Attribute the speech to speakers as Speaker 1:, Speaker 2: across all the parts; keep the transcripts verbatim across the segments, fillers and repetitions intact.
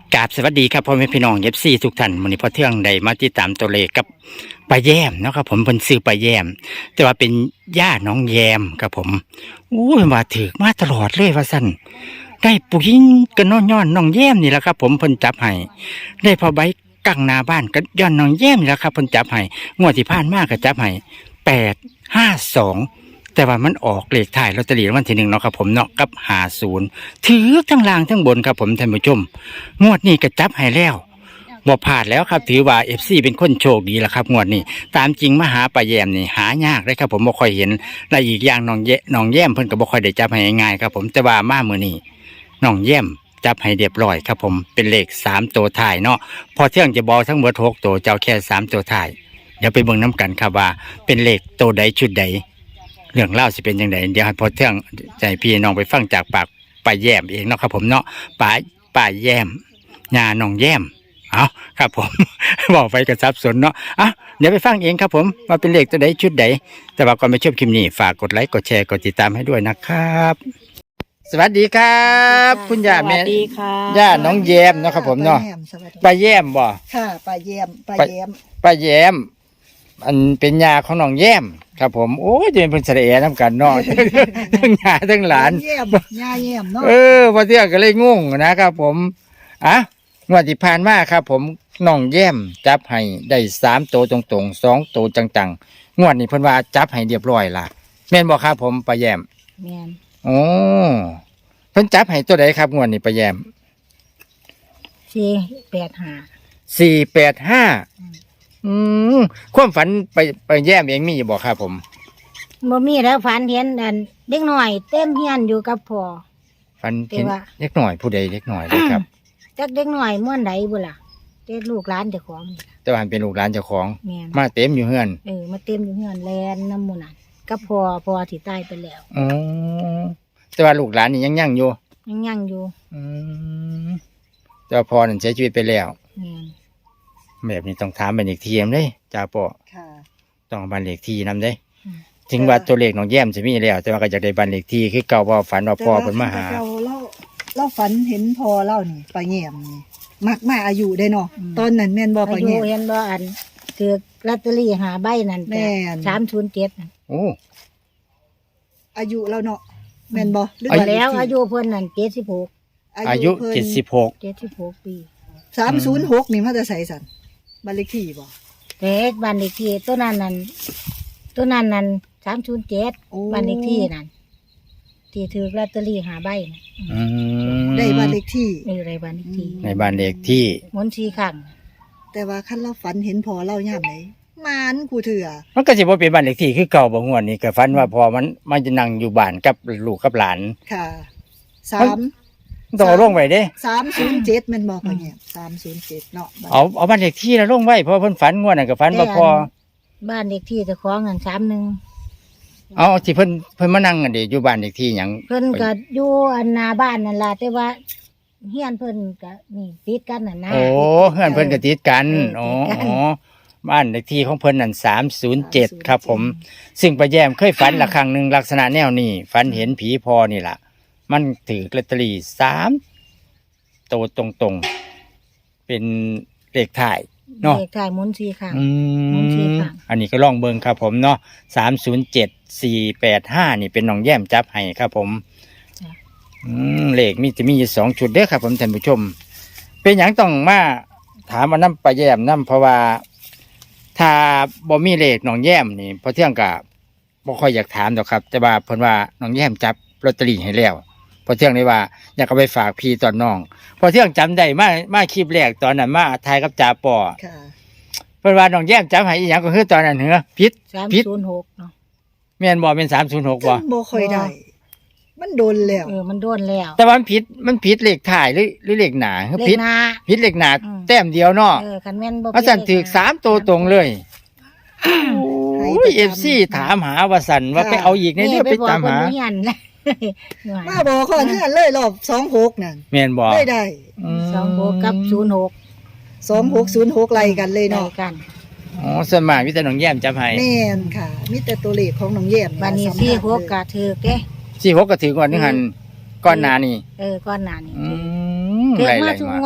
Speaker 1: กราบสวัสดีครับพ่อแม่พี่น้องเอฟซีทุกท่านวันนี้พอเที่ยงได้มาติดตามตัวเลขกับป้าแยมเนาะครับผมเป็นซื้อป้าแยมแต่ว่าเป็นย่าน้องแยมครับผมอู้ยมาถือมาตลอดเลยว่าสั้นได้ปุ๋ยกันน้องย้อนน้องแยมนี่แหละครับผมเพิ่นจับให้ได้พอใบกังหน้าบ้านกันย้อนน้องแยมนี่แหละครับเพิ่นจับให้งวดที่ผ่านมาก็จับให้แปดห้าสองแต่ว่ามันออกเลขถ่ายลอตเตอรี่รางวัลที่หนึ่งเนาะครับผมเนาะกับหาศูนย์ถือทั้งล่างทั้งบนครับผมท่านผู้ชมงวดนี้ก็จับให้แล้วบ่พลาดแล้วครับถือว่าเอฟซีเป็นคนโชคดีแล้วครับงวดนี้ตามจริงมาหาป้าแยมนี่หายากเลยครับผมบ่ค่อยเห็นและอีกอย่างน้องแยน้องแยมเพิ่นก็บ่ค่อยได้จับให้ง่ายๆครับผมแต่ว่ามามื้อนี้น้องแยมจับให้เรียบร้อยครับผมเป็นเลขสามตัวท้ายเนาะพอเที่ยงจะบอกทั้งหมดหกตัวเจ้าแค่สามตัวท้ายเดี๋ยวไปเบิ่งน้ำกันครับว่าเป็นเลขตัวใดชุดใดเรื่องเล่าสิเป็นยังไงเดี๋ยวให้พอเที่ยงใจพี่น้องไปฟังจากปากป้าแยมเองเนาะครับผมเนาะป้าป้าแยมญาน้องแยมเอาครับผม บอกไปกระซับสนเนาะอ่ะเดี๋ยวไปฟังเองครับผมว่าเป็นเลขตัวใดชุดใดแต่ว่าก่อนไปชมคลิปนี้ฝากกดไลค์กดแชร์กดติดตามให้ด้วยนะครับ สวัสดีครับ คุณย่าแม่
Speaker 2: สวัสดีค่ะ
Speaker 1: ย่าน้องแยมเนาะครับผมเนาะ
Speaker 2: ป้าแยมสวัสดี
Speaker 1: ป้าแยมบ่
Speaker 2: ค่ะป้าแยมป้าแยม
Speaker 1: ป้าแยมอันเป็นยาของน้องแยมครับผมโอ้ยจะเป็นเพิ่นเสด็จน้ำกันเนาะ ทั้งยาทั้งหลาน
Speaker 2: แยมย่าแยมเนาะ
Speaker 1: เออพอเที่ยงก็เลยงงนะครับผมอ่ะงวดที่ผ่านมาครับผมน้องแย้มจับให้ได้สามตัวตรงๆสองตัวจังๆงวดนี้เพิ่นว่าจับให้เรียบร้อยล่ะแม่นบ่ครับผมป้าแย้ม
Speaker 2: แม่น
Speaker 1: โอ้เพิ่นจับให้ตัวใดครับงวดนี้ป้าแย้ม
Speaker 2: สี่แปดห้า
Speaker 1: สี่แปดห้าอืมความฝันไปไปแย้มเองมีอยู่บ่ครับผม
Speaker 2: บ่มีแล้วฝันเห็นอันเด็กน้อยเต็มเฮียนอยู่กับพ่อ
Speaker 1: ฝันเห็น
Speaker 2: แต่ว่า
Speaker 1: เล็กหน่อยผู้ใดเล็กหน่อยเลยครับ
Speaker 2: จักเด็กน้อยม่วนใดบ่ล่ะเด็กลูกหลานเจ้าของนี่ล่ะ
Speaker 1: แต่ว่าเป็นลูกหลานเจ้าของ
Speaker 2: แม่น
Speaker 1: มาเต็มอยู่เฮือน
Speaker 2: เออมาเต็มอยู่เฮือนแลนน้ำหมูนั่นกับพ่อพ่อที่ตายไปแล้ว
Speaker 1: อ๋อแต่ว่าลูกหลานนี่ยังยังอยู่
Speaker 2: ยังยังอยู่
Speaker 1: อืมแต่ว่าพอนั่นเสียชีวิตไปแล้ว
Speaker 2: แม่น
Speaker 1: แบบนี้ต้องถามบันเลขที่นำเด้จ่าปอ
Speaker 2: ค่ะ
Speaker 1: ต้องบันเลขที่นำเด้
Speaker 2: อืม
Speaker 1: ถึงว่าตัวเลขน้องแย้มจะมีแล้ว แต่ว่าก็อยากได้บันเลขที่คือเก่าว่าฝันว่าพ่อเพิ่นมาหา
Speaker 3: เราเราเราฝันเห็นพอเล่านี่ปลาแยมนี่มักมาอายุได้เนาะตอนนั้นแม่นบ่ป
Speaker 2: อา
Speaker 3: ลา
Speaker 2: ยุ
Speaker 3: แยม
Speaker 2: เห็นบ่อันคือลอตเตอรี่หาใบนั่น
Speaker 3: แม่น
Speaker 2: สามศูนย์เจ็ด
Speaker 1: โอ้
Speaker 3: อายุเราเนาะแม่นบ่หรือ
Speaker 2: อา
Speaker 3: ว่า
Speaker 2: แล้วอายุเพิ่นนั่นเจ็ดสิบหก
Speaker 1: อายุ
Speaker 3: พิ่น
Speaker 1: เจ็ดสิบหก
Speaker 2: เจ็ดสิบหกปี
Speaker 3: สามศูนย์หกนี่มาจะใส่สันบ้านเลขที่บ่
Speaker 2: แต่บ้านเลขที่ตัวนั้นนั่นตัวนั้นนั่นสามศูนย์เจ็ด
Speaker 3: โอ้
Speaker 2: บ้านเลขที่นั่นที่ถือลอตเตอรี่หาใบน่ะ
Speaker 1: อืม
Speaker 3: ได้บ้านเลขที่
Speaker 2: นี่อะไรบ้านเลขที่
Speaker 1: ในบ้านเลขที่
Speaker 2: หมุนสี่ครั้ง
Speaker 3: แต่ว่าคันเราฝันเห็นพอเราย่ามไหนมานกูเถื่อ
Speaker 1: มันก็สิบ่เป็นบ้านเลขที่คือเก่าบ่งวดนี้ก็ฝันว่าพอมันมันจะนั่งอยู่บ้านกับลูกกับหลาน
Speaker 3: ค่ะสาม
Speaker 1: มันต้องเอาลงไว้เด้
Speaker 3: สามศูนย์เจ็ดแม่นบ่ปลาแยมสามศูนย์เจ็ดเนาะบ้าน
Speaker 1: เอาเอาบ้านเลขที่แล้วลงไว้เพราะเพิ่นฝันงวดนั้นก็ฝันว่าพอ
Speaker 2: บ้านเลขที่เจ้าของนั่นสามหนึ่ง
Speaker 1: เอาที่เพิ่นเพิ่นมานั่งกันดิอยู่บ้านเลขที่หยัง
Speaker 2: เพิ่นก็อยู่อันหน้าบ้านนั่นล่ะแต่ว่าเฮียนเพิ่นก็นี่ติดกันน่ะนะ
Speaker 1: โอ้เฮือนเพิ่นก็ติดกัน
Speaker 2: เอ
Speaker 1: อ๋อ
Speaker 2: อติดกัน
Speaker 1: อ๋อบ้านเลขที่ของเพิ่นนั่นสามศูนย์เจ็ดครับผม ซึ่งป้าแยมเคยฝันละครั้งหนึ่งลักษณะแนวนี้ฝันเห็นผีพอนี่ล่ะ มันถือลอตเตอรี่สามตัวตรงๆ เป็นเลขถ่ายเนาะ
Speaker 2: เลขท้ายหมุนสี่ครั้ง
Speaker 1: อื
Speaker 2: หมุนสี่
Speaker 1: ม
Speaker 2: ครั้ง
Speaker 1: อันนี้ก็ลองเบิ่งครับผมเนาะสามศูนย์เจ็ดสี่แปดห้านี่เป็นน้องแย้มจับให้ครับผม
Speaker 2: จ้ะ
Speaker 1: อืมเลขมีจะมีอยู่สองชุดเด้อครับผมท่านผู้ชม เป็นอย่างต้องมาถามมาน้ำป้าแย้มน้ำเพราะว่า ถ้าบ่มีเลขน้องแย้มนี่พอเที่ยงกับบ่ค่อยอยากถามดอกครับแต่ว่าเพิ่นว่าน้องแย้มจับลอตเตอรี่ให้แล้วพอเที่ยงเลยว่าอยากเอาไปฝากพี่ตอนน้อง พอเที่ยงจำได้มามาคลิปแรกตอนนั้นมาทายกับจ่าปอ
Speaker 3: ค่ะ
Speaker 1: เพิ่นว่าน้องแย้มจับให้อีหยังก็คือตอนนั้นเหรอผิด
Speaker 2: สาม
Speaker 1: ผิด
Speaker 2: ศูนย์หกเนาะ
Speaker 1: แม่นบ่เป็นสามศูนย์หกบ่
Speaker 3: จำบ่ค่อยได้ มันโดนแล้ว
Speaker 2: เออมันโดนแล้ว
Speaker 1: แต่ว่ามันผิดมันผิดเลขถ่ายหรือหรือเลขหน้าคือ
Speaker 2: เล
Speaker 1: ผิ
Speaker 2: ข
Speaker 1: ด
Speaker 2: หน้า
Speaker 1: ผิดเลขหน้า
Speaker 2: อืม
Speaker 1: แต้มเดียวเนาะ
Speaker 2: เออคันแม่นบ่
Speaker 1: ว่าสั่นถือสามตัวตรงเลย
Speaker 3: ให้
Speaker 1: โอ้
Speaker 3: ไป
Speaker 1: ยเอฟ
Speaker 3: จำ
Speaker 1: ซีถามหาว่าสั่นว่า
Speaker 3: ค่ะ
Speaker 1: ไปเอาอีกในเรื่องไปตามหา
Speaker 2: นี่ไปบอกคนเฮียนนะ
Speaker 3: มาบอกก่อนเพื่อนเลยรอบสองหกนั่น
Speaker 1: แม่นบ่
Speaker 3: ได้ได้
Speaker 1: ม
Speaker 2: สองหกกับศูนย์หก
Speaker 3: สองหกศูนย์หกไล่กันเลย
Speaker 2: ได้
Speaker 3: เนาะ
Speaker 2: กัน
Speaker 1: อ๋อส่วนมากมีแต่น้องแย้มจับให้
Speaker 3: แม่นค่ะมีแต่ตัวเลขของน้องแย้ม
Speaker 2: บันนี้
Speaker 3: สำคัญ
Speaker 2: สี่หก
Speaker 3: เลย
Speaker 2: กะถือเด้
Speaker 1: สี่หกก็ถือก่อนนึงหันก้อนหนานี่
Speaker 2: เออก้อนหน้านี่
Speaker 1: อื
Speaker 2: ถือ
Speaker 1: ม
Speaker 2: ถือ
Speaker 1: ไร
Speaker 2: มา
Speaker 1: ไร
Speaker 2: ทุก
Speaker 1: มาง
Speaker 2: วด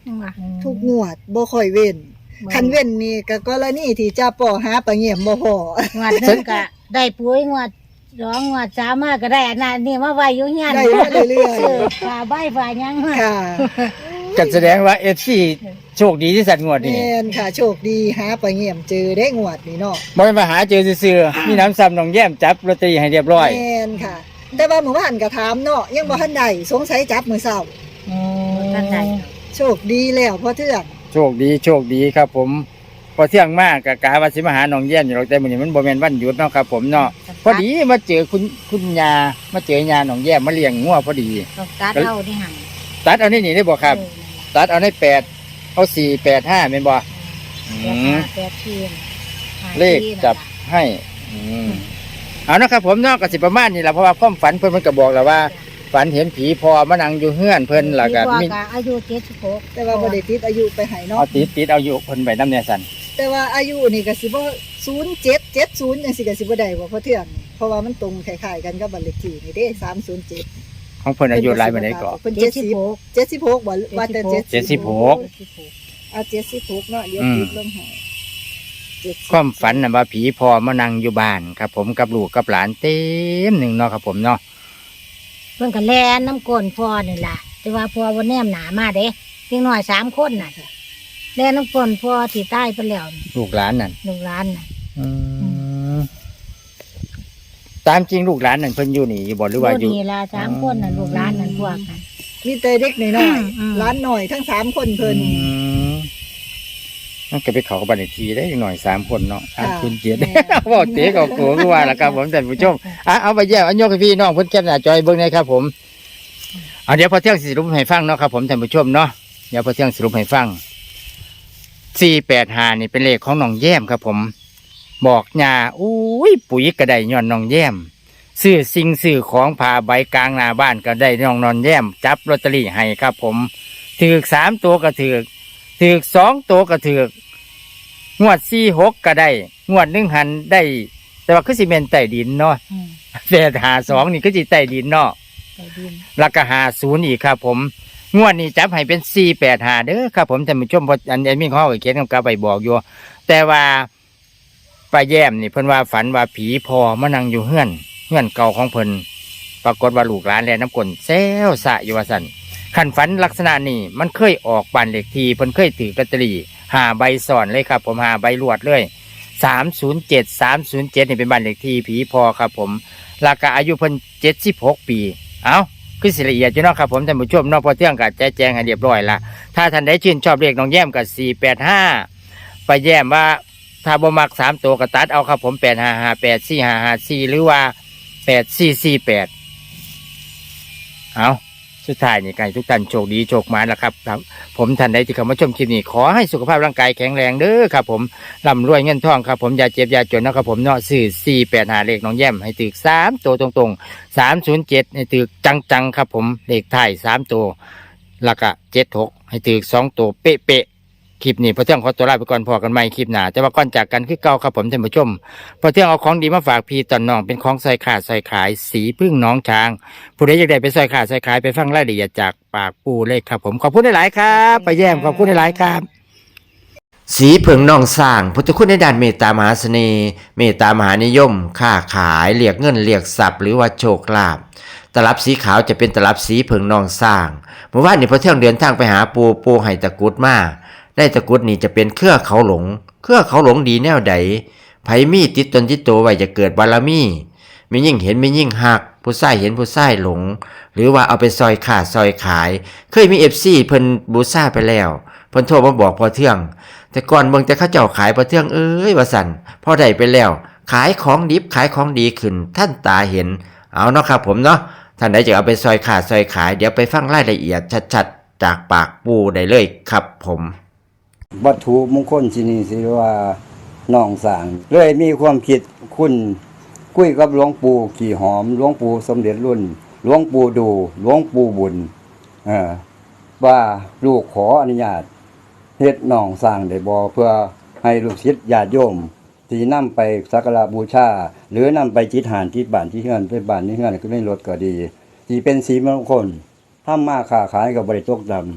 Speaker 2: ยังว่า
Speaker 3: ทุกงวดบ่ค่อยเว้นคันเว้นนี่ก็กรณีที่จะป่อหาปลาเงี่ยมบ่พอ
Speaker 2: งวดหนึงก็ได้ปุ๋ยงวดสองงวดสามมาก็ได้อันนั้นนี่มาไว้อยู่เฮียน
Speaker 3: ได้มาเรื่อย
Speaker 2: ซื้อฝาใบฝาหยังมา
Speaker 3: ๆค่ะ
Speaker 1: ก็แสดงว่า เอฟ ซี โชคดีที่สัตว์งวดนี่
Speaker 3: แม่นค่ะโชคดีหาปลาเงี่ยมเจอได้งวดนี่เนาะ
Speaker 1: บ่ได้มาหาเจอซื่อๆมีน้ำซ้ำน้องแย้มจับลอตเตอรี่ให้เรียบร้อย
Speaker 3: แม่นค่ะ แต่ว่าเมื่อวานก็ถามเนาะยังบ่ทันได้สงสัยจับมื้อเช้า
Speaker 2: อืมท่านใด
Speaker 3: โชคดีแล้วพ่อเทื่อง
Speaker 1: โชคดีโชคดีครับผมพอเที่ยงมากกะกาว่าสิมาหาน้องแย้มอยู่หรอกแต่มื้อนี้มันบ่แม่นวันหยุดเนาะครับผมเนาะพอดีมาเจอคุณคุณยามาเจอยาน้องแย้มมาเลี้ยงงัวพอดี
Speaker 2: ต้องตัดเอาที่หั่น
Speaker 1: ตัดเอานี่นี่ได้บ่ครับ ตัดเอาในแปดเอาสี่แปดห้าเป็นบ่
Speaker 2: อื
Speaker 1: อื
Speaker 2: ม
Speaker 1: ม
Speaker 2: แปดทีนห้า
Speaker 1: เลข
Speaker 2: ทีนั่น
Speaker 1: จับ
Speaker 2: ล่ะ
Speaker 1: ให้อืมเอานะครับผมเนาะก็สิประมาณนี้แหละเพราะว่าความฝันเพิ่นมันก็บอกแล้วว่า ฝันเห็นผีพอมานั่งอยู่เฮือนเพิ่นแล้วก็
Speaker 2: มี
Speaker 1: มี
Speaker 2: กอายุเจ็ดสิบหก
Speaker 3: แต่ว่าบ่ได้ติดอายุไปให้เนาะ
Speaker 1: เอาติดติดเอาอยู่เพิ่นไปน้ำเนี่ยสั่น
Speaker 3: แต่ว่าอายุนี่ก็สิบ่ศูนย์เจ็ด เจ็ดศูนย์จังซี่ก็สิบ่ได้บ่พ่อเทื่องเพราะว่ามันตรงคล้ายๆกันกับบัตรเลขที่นี่เด้สามศูนย์เจ็ด
Speaker 1: ของเพิ่นอายุหลายปานใดก็
Speaker 3: เพิ่น
Speaker 2: เจ็ด
Speaker 3: เจ็ด
Speaker 2: สิ
Speaker 3: สิ
Speaker 2: บบ หก
Speaker 3: เจ็ดสิบหกบ่ว่าแต่
Speaker 1: เจ็ดสิบหก
Speaker 3: อ่ะเจ็ดสิบหกเนาะเดี๋ยว
Speaker 1: อืม
Speaker 3: ติดลงให้เจ็ดสิบ
Speaker 1: ความฝันน่ะว่าผีพอมานั่งอยู่บ้านครับ ผมกับลูกกับหลานเต็มหนึ่งเนาะครับผมเนาะ
Speaker 2: เพิ่นก็แล่นน้ำก้นพ่อนี่ล่ะแต่ว่าพ่อบ่แนมหนามาเด้เพียงน้อยสามคนน่ะแล่นน้ำก้นพ่อที่ตายไปแล้ว
Speaker 1: ลูกหลานนั่น
Speaker 2: ลูกหลานน่ะ
Speaker 1: อืมตามจริงลูกหลานนั่นเพิ่นอยู่นี่อยู่บ่หรือว่าอยู่
Speaker 2: นี่ล่ะสามคนน่ะลูกหลานนั่นพวกกัน
Speaker 3: มีแต่เด็กน้อย
Speaker 2: อืม
Speaker 3: ๆหล้านหน่อยทั้งสามคนเพิ่น
Speaker 1: อืมมันก็ไปเขากับบัตรเลขที่ได้อีกหน่อยสามคนเนาะสามคุณเจ็ด
Speaker 3: แม่
Speaker 1: บอกเต๋กับโกก็ว่าแล้วครับผมท่านผู้ชมอ่ะเอาไปแย่เอายกให้พี่น้องเพิ่นแคปหน้าจอยเบิ่งได้ครับผมเอาเดี๋ยวพอเที่ยงสิสรุปให้ฟังเนาะครับผมท่านผู้ชมเนาะเดี๋ยวพอเที่ยงสรุปให้ฟังสี่แปดห้านี่เป็นเลขของน้องแย้มครับผม บอกยาอุ้ยปุ๋ยก็ได้ย้อนน้องแย้มซื้อสิ่งซื้อของผ่าใบกลางหน้าบ้านก็ได้น้องนอนแย้มจับลอตเตอรี่ให้ครับผมถือสามตัวก็ถือถือสองตัวก็ถืองวดสี่หกก็ได้งวดหนึ่งหันได้ แต่ว่าคือสิเมนใต้ดินเนาะ
Speaker 2: อืม
Speaker 1: แต่หาสองนี่ก็สิใต้ดินเนาะ
Speaker 2: ไปดิน
Speaker 1: แล้วก็หาศูนย์อีกครับผมงวดนี้จับให้เป็นสี่แปดหาเด้อครับผมท่านผู้ชมเพราะอันนี้มีข้อเขียนกำกับไปบอกอยู่แต่ว่าป้าแย้มนี่เพิ่นว่าฝันว่าผีพอมานั่งอยู่เฮือนเฮือนเก่าของเพิ่นปรากฏว่าลูกหลานแลน้ำกลนแซวสะอยู่ว่าสั่นขันฝันลักษณะนี้มันเคยออกบ้านเลขที่เพิ่นเคยถือลอตเตอรี่หาใบซ้อนเลยครับ ผมหาใบรวดเลยสามศูนย์เจ็ดสามศูนย์เจ็ดนี่เป็นบ้านเลขที่ผีพอครับผมราคาอายุเพิ่นเจ็ดสิบหกปีเอ้าคือสิละเอียดอยู่เนาะครับผมท่านผู้ชมเนาะพอเที่ยงกับแจ้แจงให้เรียบร้อยละถ้าท่านได้ชื่นชอบเลขน้องแย้มกับสี่แปดห้าไปแย้มว่าถ้าบ่มักสามตัวก็ตัดเอาครับผมแปดห้าห้าแปดสี่ห้าห้าสี่หรือว่าแปดสี่สี่แปดเอาสุดท้ายนี่ไก่ทุกท่านโชคดีโชคหมานละครับครับ ผมท่านใดที่เข้ามาชมคลิปนี้ขอให้สุขภาพร่างกายแข็งแรงเด้อครับผมร่ำรวยเงินทองครับผมอย่าเจ็บอย่าจนนะครับผมเนาะสื่อสี่แปดหาเลขน้องแย้มให้ตึกสามตัวตรงๆสามศูนย์เจ็ดให้ตึกจังๆครับผมเลขไทายสามตัวแล้วก็เจ็ดหกให้ตึกสองตัวเป๊ะๆคลิปนี้พอเที่ยงขอตัวลาไปก่อนพอกันใหม่คลิปหน้าแต่ว่าก่อนจากกันคือเก่าครับผมท่านผู้ชมพอเที่ยงเอาของดีมาฝากพี่ตอนน้องเป็นของใส่ขาดใส่ขายสีพึ่งน้องช้างผู้ใดอยากได้ไปใส่ขาดใส่ขายไปฟังรายละเอียดจากปากปูเลยครับผมขอบคุณหลายๆครับไปแย้มขอบคุณหลายๆครับ สีเผิงนองสร้างพุทธคุณในด้านเมตตามหาเสน่ห์เมตตามหานิยม ค้าขายเรียกเงินเรียกทรัพย์หรือว่าโชคลาภตลับสีขาวจะเป็นตลับสีเผิงนองสร้างเมื่อวานนี้พอเที่ยงเดินทางไปหาปูปูให้ตะกรุดมาได้ตะกรุดนี่จะเป็นเครือเขาหลงเครือเขาหลงดีแนวใดไผมีติดตนติดตัวไว้จะเกิดบารมีมียิ่งเห็นมียิ่งหักผู้ใส่เห็นผู้ใส่หลงหรือว่าเอาไปซอยขาดซอยขายเคยมี เอฟ ซี เพิ่นบูซ่าไปแล้วเพิ่นโทรมาบอกพอเที่ยงแต่ก่อนเบิ่งแต่เขาเจ้าขายพอเที่ยงเอ้ยว่าสั่นพอได้ไปแล้วขายของดิบขายของดีขึ้นท่านตาเห็นเอาเนาะครับผมเนาะท่านใดจะเอาไปซอยขาดซอยขายเดี๋ยวไปฟังรายละเอียดชัดๆจากปากปูได้เลยครับผม
Speaker 4: วัตถุมงคลที่นี่สิว่าน้องสร้างเลยมีความคิดคุณคุยกับหลวงปู่ขี่หอมหลวงปู่สมเด็จรุ่นหลวงปู่ดูหลวงปู่บุญเออว่าลูกขออนุญาตเฮ็ดน้องสร้างได้บ่เพื่อให้ลูกศิษย์ญาติโยมที่นำไปสักการะบูชาหรือนำไปจิตหานที่บ้านที่เฮือนไปบ้านที่เฮือนก็ได้รถก็ดีที่เป็นสีมงคลทำมาค้าขายก็บ่ได้ตกดำ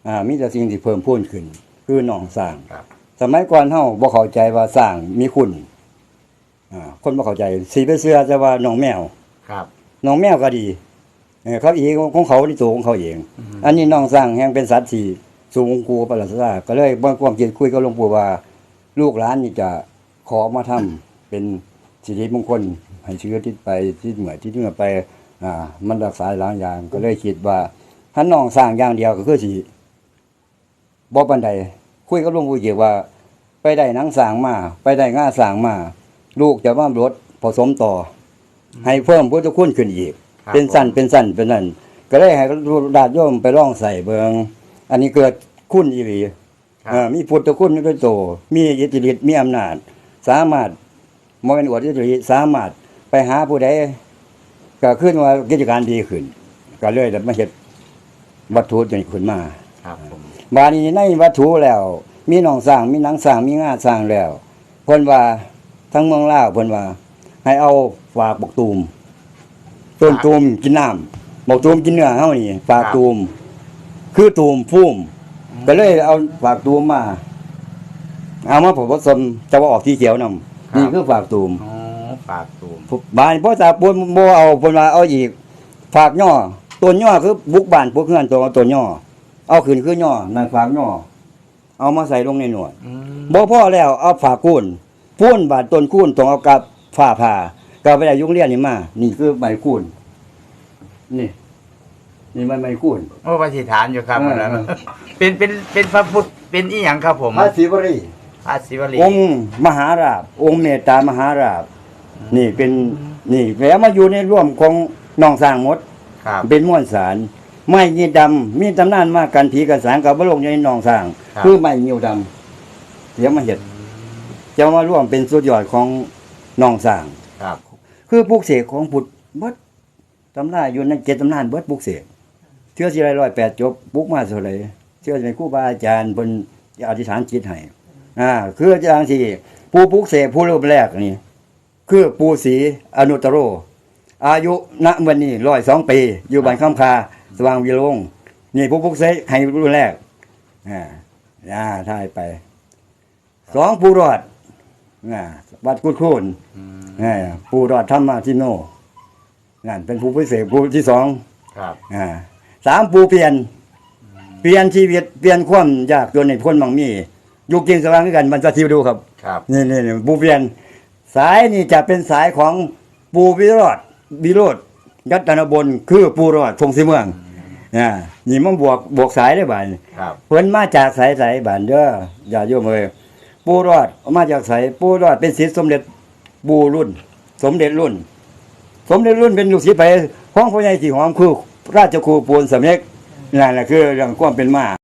Speaker 4: อ่ามีแต่สิ่งที่เพิ่มพูนขึ้น คือหนองสร้าง
Speaker 5: ครับ
Speaker 4: สมัยก่อนเฮาบ่เข้าใจว่าสร้างมีคุณอ่าคนบ่เข้าใจสิไปเชื่อแต่ว่าหนองแมว
Speaker 5: ครับ
Speaker 4: หนองแมวก็ดีเออเขาอีกของเขาที่ตัวของเขาเอง
Speaker 5: อืม
Speaker 4: อันนี้หนองสร้างแห่งเป็นสัตว์ที่สูงกูประหลาดซาก็เลยบ่ความคิดคุยกับหลวงปู่ว่า ลูกหลานนี่จะขอมาทำเป็นสิริมงคลให้เชื้อติดไปที่เหมือที่เหมือไปอ่ามันรักษาหลายอย่างก็เลยคิดว่าถ้าน้องสร้างอย่างเดียวก็คือสิบ่ปานใดคุยกับหลวงปู่เกี่ยวว่า ไปได้หนังสร้างมาไปได้ง่าสร้างมาลูกจะมาลดผสมต่อ ให้เพิ่มพุทธคุณขึ้นอีก
Speaker 5: ครับ
Speaker 4: เป็นสั้น
Speaker 5: ผม
Speaker 4: เป็นสั้นเป็นนั่นก็เลยให้ญาติโยมไปลองใส่เบิงอันนี้เกิดคุณอีหลี
Speaker 5: ครับ
Speaker 4: เอ่อมีพุทธคุณด้วยโตมีอิทธิฤทธิ์มีอำนาจ สามารถบ่แม่นอวดอิทธิฤทธิ์สามารถไปหาผู้ใดก็ขึ้นว่ากิจการดีขึ้น ก็เลยได้มาเฮ็ดวัตถุนี้ขึ้นมา
Speaker 5: ครับผม
Speaker 4: บาดนี้ในวัตถุแล้ว มีหนองสร้างมีหนังสร้างมีงาสร้างแล้วเพิ่นว่าทั้งเมืองลาวเพิ่นว่า ให้เอาฝากบกตูมต้นตูมกินน้ำบกตูมกินเนื้อเฮานี่ฝากตูมคือตูมพุ่มก็เลยเอาฝากตูมมา เอามาผสมจะว่าออกที่เขียวนำนี่คือฝากตูม
Speaker 5: อ๋อฝากตูม
Speaker 4: บานบ่ตาปนบ่เอาเพิ่นว่าเอาอีกฝากย่อต้นย่อคือบุกบ้านพวกเฮือนตัวต้นย่อเอาขึ้นคือย่อนั่นฝากย่อเอามาใส่ลงในหนวด
Speaker 5: อืม
Speaker 4: บ่พอแล้วเอาฝากคูนพูนบาดต้นคูนต้องเอากับฝ้าผ่าก็ไปได้ยุงเรียนนี่มา นี่คือใบคูนนี่ นี่มันใบคูน
Speaker 5: โอ้ปฏิฐานอยู่ครับ
Speaker 4: เออ
Speaker 5: อันนั้น
Speaker 4: เออ
Speaker 5: เป็นเป็นเป็นพระพุทธเป็นอีหยังครับผม
Speaker 4: พระศิวรี
Speaker 5: พระศิวลี
Speaker 4: องค์มหาราชองค์เมตตามหาราชนี่เป็นนี่แล้วมาอยู่ในร่วมของน้องสร้างหมด
Speaker 5: ครับ
Speaker 4: เป็นม้วนสารไม้ยีดำมีตำนานมากันผีกันสางกับบลงอยู่ในหนองสร้าง
Speaker 5: ครับ
Speaker 4: คือไม้ยีดำเดี๋ยวมาเห็ดจะมาร่วมเป็นสุดยอดของหนองสร้าง
Speaker 5: ครับ
Speaker 4: คือปลูกเสกของพุทธเบิดตำนานอยู่ในเจ็ดตำนานเบิดปลูกเสกเชื่อสิไรร้อยแปดจบปลูกมาเท่าไหร่เชื่อในครูบาอาจารย์เพิ่นอธิษฐานจิตให้อ่าคืออาจารย์ที่ผู้ปลูกเสกผู้รูปแรกนี่คือปู่ศรีอนุตตโร อายุณวันนี้ร้อยสองปี อยู่บ้านคำคา สว่างวิโรงนี่ผู้พุกเสกให้รุ่นแรกอ่าอ่าท่ายไปสองผู้รอดอ่าวัดกุดคูน
Speaker 5: อืม
Speaker 4: อ่าผู้รอดธรรมาทิโนนั่นเป็นผู้พิเศษผู้ที่สอง
Speaker 5: ครับ
Speaker 4: อ่าสามผู้เปลี่ยน เปลี่ยนชีวิตเปลี่ยนความยากจนในพ้นบางมีอยู่กินสว่างด้วยกันมันจะทิวดูครับ
Speaker 5: ครับ
Speaker 4: นี่นี่นี่ปูเปลี่ยนสายนี่จะเป็นสายของปูวิโรธวิโรธยัตนบลคือปูรอดพงศรีเมืองอ่านี่มันบวกบวกสายได้บ่าย
Speaker 5: ครับ
Speaker 4: เพิ่นมาจากสายสายบ้านเด้ออย่าโยมเอ้ยปูรอดมาจากสายปูรอดเป็นศิษย์สมเด็จปูรุ่น สมเด็จรุ่น สมเด็จรุ่นเป็นลูกศิษย์ไปของพ่อใหญ่ที่หอมคือราชครูปูนสำเร็จนั่นแหละคือเรื่องความเป็นมา